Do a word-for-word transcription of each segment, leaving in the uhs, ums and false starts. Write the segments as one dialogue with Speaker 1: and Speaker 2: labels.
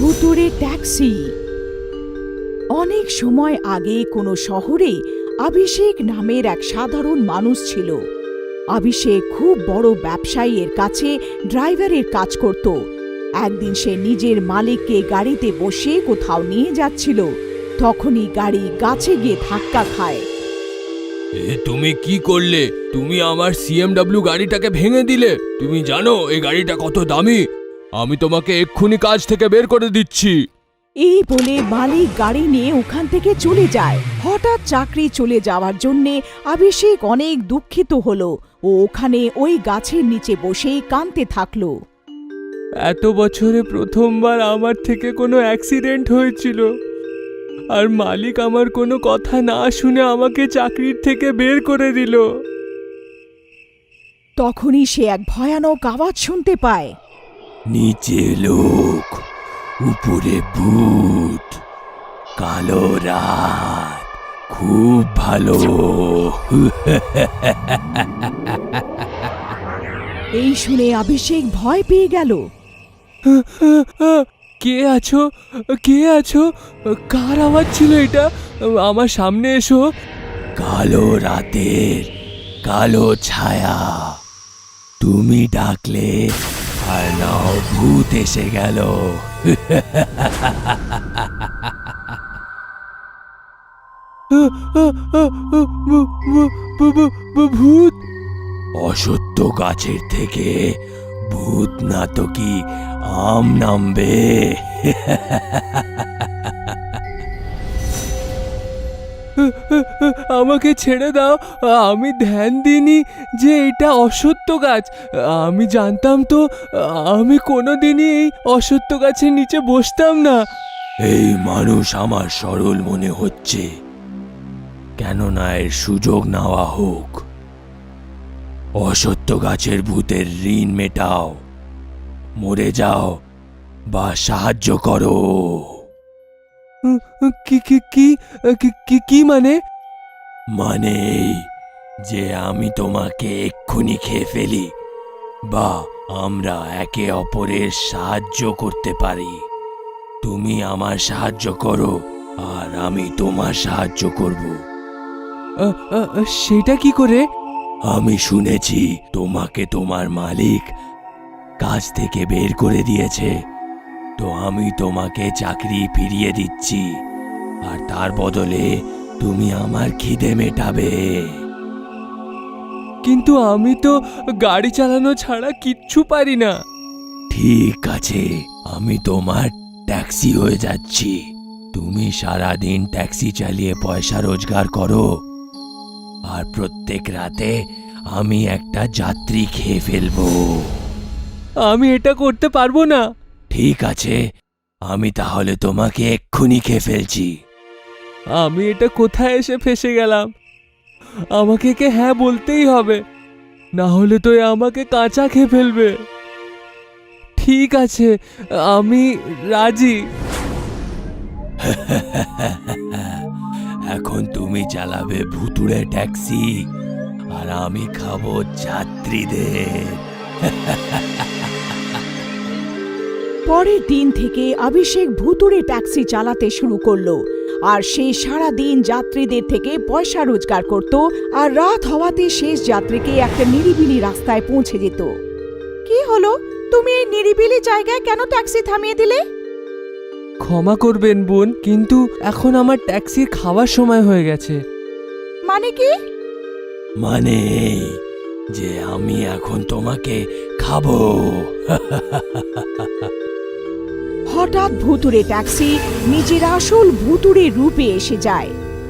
Speaker 1: ভুতুড়ে ট্যাক্সি। অনেক সময় আগে কোনো শহরে অভিষেক নামের এক সাধারণ মানুষ ছিল। অভিষেক খুব বড় ব্যবসায়ীর কাছে ড্রাইভারের কাজ করত। একদিন সে নিজের মালিককে গাড়িতে বসে কোথাও নিয়ে যাচ্ছিল, তখনই গাড়ি গাছে গিয়ে ধাক্কা খায়।
Speaker 2: এ তুমি কি করলে? তুমি আমার সিএমডব্লিউ গাড়িটাকে ভেঙে দিলে। তুমি জানো এই গাড়িটা কত দামি? আমি তোমাকে এক্ষুনি কাজ থেকে বের করে দিচ্ছি।
Speaker 1: এই বলে মালিক গাড়ি নিয়ে ওখান থেকে চলে যায়। হঠাৎ চাকরি চলে যাওয়ার জন্যে অভিষেক অনেক দুঃখিত হলো ও ওখানে ওই গাছের নিচে বসেই কাঁদতে থাকলো।
Speaker 2: এত বছরে প্রথমবার আমার থেকে কোনো অ্যাক্সিডেন্ট হয়েছিল, আর মালিক আমার কোনো কথা না শুনে আমাকে চাকরির থেকে বের করে দিল।
Speaker 1: তখনই সে এক ভয়ানক আওয়াজ শুনতে পায়।
Speaker 2: নিচে লোক, উপরে ভূত, কালো রাত, খুব ভালো।
Speaker 1: এই শুনে অভিষেক ভয় পেয়ে গেল।
Speaker 2: কে আছো? কে আছো? কার আওয়াজ ছিল এটা? আমার সামনে এসো। কালো রাতের কালো ছায়া, তুমি ডাকলে আর নাও ভূত এসে গেল। ভূত? অসত্য গাছের থেকে ভূত না তো কি আম নামবে? আমাকে ছেড়ে দাও, আমি ধ্যান দিইনি যে এটা অসত্য গাছ। আমি জানতাম তো আমি কোনোদিনই এই অসত্য গাছের নিচে বসতাম না। এই মানুষ আমার সরল মনে হচ্ছে, কেননা এর সুযোগ নেওয়া হোক। অসত্য গাছের ভূতের ঋণ মেটাও, মরে যাও বা সাহায্য করো। কি কি কি কি মানে? মানে এই যে আমি তোমাকে এক্ষুনি খেয়ে ফেলি, বা আমরা একে অপরের সাহায্য করতে পারি। তুমি আমার সাহায্য করো আর আমি তোমার সাহায্য করব। সেটা কি করে? আমি শুনেছি তোমাকে তোমার মালিক কাজ থেকে বের করে দিয়েছে, তো আমি তোমাকে চাকরি ফিরিয়ে দিচ্ছি, আর তার বদলে তুমি আমার খিদে মেটাবে। কিন্তু আমি তো গাড়ি চালানো ছাড়া কিচ্ছু পারি না। ঠিক আছে, আমি তোমার ট্যাক্সি হয়ে যাচ্ছি। তুমি সারাদিন ট্যাক্সি চালিয়ে পয়সা রোজগার করো, আর প্রত্যেক রাতে আমি একটা যাত্রী খেয়ে ফেলবো। আমি এটা করতে পারবো না। ঠিক আছে, আমি তাহলে তোমাকে এক্ষুনি খেয়ে ফেলছি। আমি এটা কোথায় এসে ফেসে গেলাম? আমাকে কে হ্যাঁ বলতেই হবে, না হলে তো এ আমাকে কাঁচা খেয়ে ফেলবে। ঠিক আছে, আমি রাজি। এখন তুমি চালাবে ভুতুড়ে ট্যাক্সি, আর আমি খাবো যাত্রীদের।
Speaker 1: পরের দিন থেকে অভিষেক ভুতুড়ে ট্যাক্সি চালাতে শুরু করলো, আর সে সারা দিন যাত্রীদের থেকে পয়সা রোজগার করত, আর রাত হওয়াতে শেষ যাত্রীকে একটা নিরিবিলি রাস্তায় পৌঁছে যেত। কি হলো, তুমি এই নিরিবিলি জায়গায় কেন ট্যাক্সি থামিয়ে দিলে?
Speaker 2: ক্ষমা করবেন বোন, কিন্তু এখন আমার ট্যাক্সির খাওয়ার সময় হয়ে গেছে।
Speaker 1: মানে কি?
Speaker 2: মানে যে আমি এখন তোমাকে খাবো।
Speaker 1: হঠাৎ ভুতুড়ে ট্যাক্সি নিজের আসল ভুতুড়ে রূপে এসে যায়।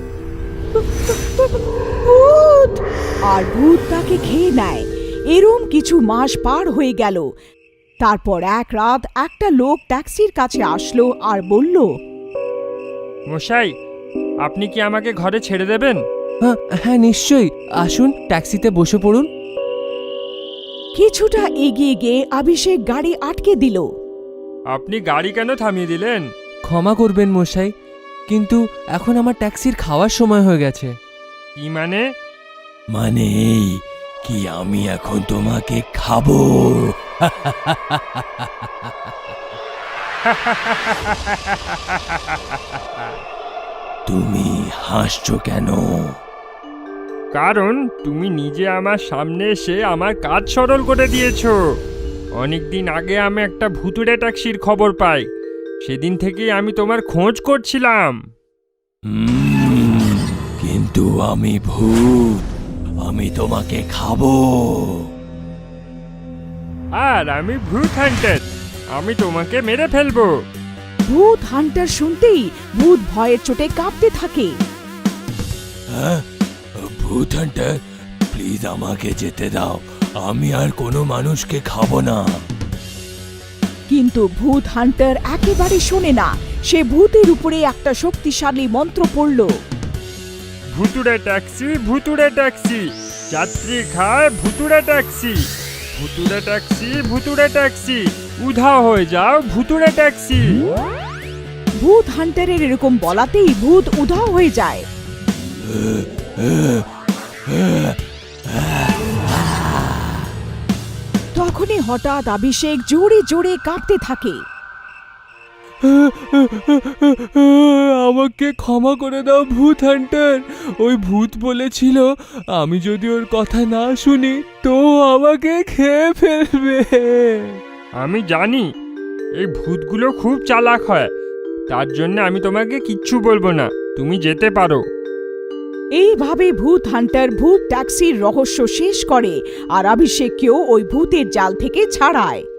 Speaker 1: ভূত! আর ভূত তাকে খেয়ে নেয়। এরম কিছু মাস পার হয়ে গেল। তারপর এক রাত একটা লোক ট্যাক্সির কাছে আসলো আর বলল,
Speaker 3: মশাই, আপনি কি আমাকে ঘরে ছেড়ে দেবেন?
Speaker 2: হ্যাঁ নিশ্চয়ই, আসুন ট্যাক্সিতে বসে পড়ুন।
Speaker 1: কিছুটা এগিয়ে গিয়ে অভিষেক গাড়ি আটকে দিল।
Speaker 3: আপনি গাড়ি কেন থামিয়ে দিলেন?
Speaker 2: ক্ষমা করবেন মশাই, কিন্তু এখন আমার ট্যাক্সির খাওয়ার সময় হয়ে গেছে।
Speaker 3: কি মানে?
Speaker 2: মানে এই কি আমি এখন তোমাকে খাবো। তুমি হাসছো কেন?
Speaker 3: কারণ তুমি নিজে আমার সামনে এসে আমার কাজ সরল করে দিয়েছো। অনেকদিন আগে আমি একটা ভুতুড়ে ট্যাক্সির খবর পাই, সেদিন থেকেই আমি তোমার খোঁজ করছিলাম।
Speaker 2: উম, কিন্তু আমি ভূত, আমি তোমাকে খাবো।
Speaker 3: আর আমি ভূত হান্টার, আমি তোমাকে মেরে ফেলবো।
Speaker 1: ভূত হান্টার শুনতেই ভূত ভয়ের চোটে কাঁপতে থাকে।
Speaker 2: হ্যাঁ, ভূত হান্টার, প্লিজ আমাকে যেতে দাও, আমি আর কোনো মানুষকে খাবো না।
Speaker 1: কিন্তু ভূত হান্টার একেবারে শোনে না। সে ভূতের উপরে একটা শক্তিশালী মন্ত্র পড়ল।
Speaker 3: ভুতুড়ে ট্যাক্সি, ভুতুড়ে ট্যাক্সি, যাত্রী খায় ভুতুড়ে ট্যাক্সি, ভুতুড়ে ট্যাক্সি, ভুতুড়ে ট্যাক্সি, উধাও হয়ে যাও ভুতুড়ে ট্যাক্সি।
Speaker 1: ভূত হান্টারের এরকম বলাতেই ভূত উধাও হয়ে যায়। তখনই হঠাৎ অভিষেক জোরে জোরে কাঁপতে থাকে।
Speaker 2: আমাকে ক্ষমা করে দাও ভূত হান্টার, ওই ভূত বলেছিল আমি যদি ওর কথা না শুনি তো আমাকে খেয়ে ফেলবে।
Speaker 3: আমি জানি এই ভূতগুলো খুব চালাক হয়, তার জন্য আমি তোমাকে কিচ্ছু বলবো না, তুমি যেতে পারো।
Speaker 1: এইভাবে ভূত হান্টার ভূত ট্যাক্সির রহস্য শেষ করে আর অভিষেককেও ওই ভূতের জাল থেকে ছাড়ায়।